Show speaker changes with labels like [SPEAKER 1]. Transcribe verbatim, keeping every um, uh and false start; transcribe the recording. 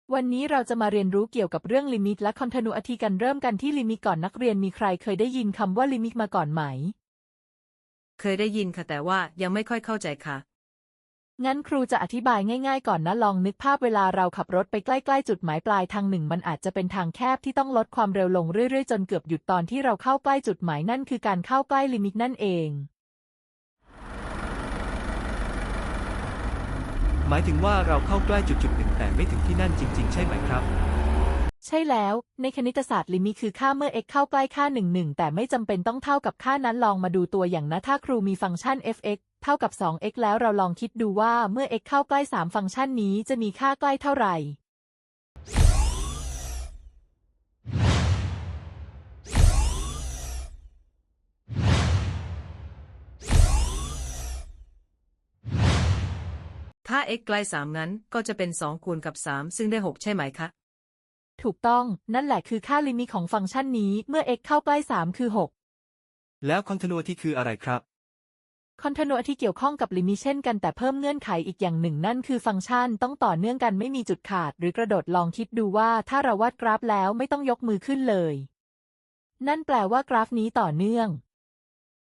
[SPEAKER 1] วันนี้เราจะมาเรียนรู้เกี่ยวกับเรื่องลิมิตและ continuity กันเริ่มกันที่ลิมิตก่อนนักเรียนมีใครเคยได้ยินคำว่าลิมิตมาก่อนไหม
[SPEAKER 2] เคยได้ยินค่ะแต่ว่ายังไม่ค่อยเข้าใจค่ะ
[SPEAKER 1] งั้นครูจะอธิบายง่ายๆก่อนนะลองนึกภาพเวลาเราขับรถไปใกล้ๆจุดหมายปลายทางหนึ่งมันอาจจะเป็นทางแคบที่ต้องลดความเร็วลงเรื่อยๆจนเกือบหยุดตอนที่เราเข้าใกล้จุดหมายนั่นคือการเข้าใกล้ลิมิตนั่นเอง
[SPEAKER 3] หมายถึงว่าเราเข้าใกล้จุดจุดหนึ่งแต่ไม่ถึงที่นั่นจริงๆใช่ไหมครับ
[SPEAKER 1] ใช่แล้วในคณิตศาสตร์ลิมิตคือค่าเมื่อ x เข้าใกล้ค่าหนึ่ง หนึ่งแต่ไม่จำเป็นต้องเท่ากับค่านั้นลองมาดูตัวอย่างนะถ้าครูมีฟังก์ชัน f(x) เท่ากับ สอง x แล้วเราลองคิดดูว่าเมื่อ x เข้าใกล้สามฟังก์ชันนี้จะมีค่าใกล้เท่าไหร่
[SPEAKER 2] ถ้า x ใกล้สามงั้นก็จะเป็นสองคูณกับสามซึ่งได้หกใช่ไหมคะ
[SPEAKER 1] ถูกต้องนั่นแหละคือค่าลิมิตของฟังก์ชันนี้เมื่อ x เข้าใกล้สามคือหก
[SPEAKER 3] แล้ว continuity คืออะไรครับ
[SPEAKER 1] continuity เกี่ยวข้องกับลิมิตเช่นกันแต่เพิ่มเงื่อนไขอีกอย่างหนึ่งนั่นคือฟังก์ชันต้องต่อเนื่องกันไม่มีจุดขาดหรือกระโดดลองคิดดูว่าถ้าเราวาดกราฟแล้วไม่ต้องยกมือขึ้นเลยนั่นแปลว่ากราฟนี้ต่อเนื่อง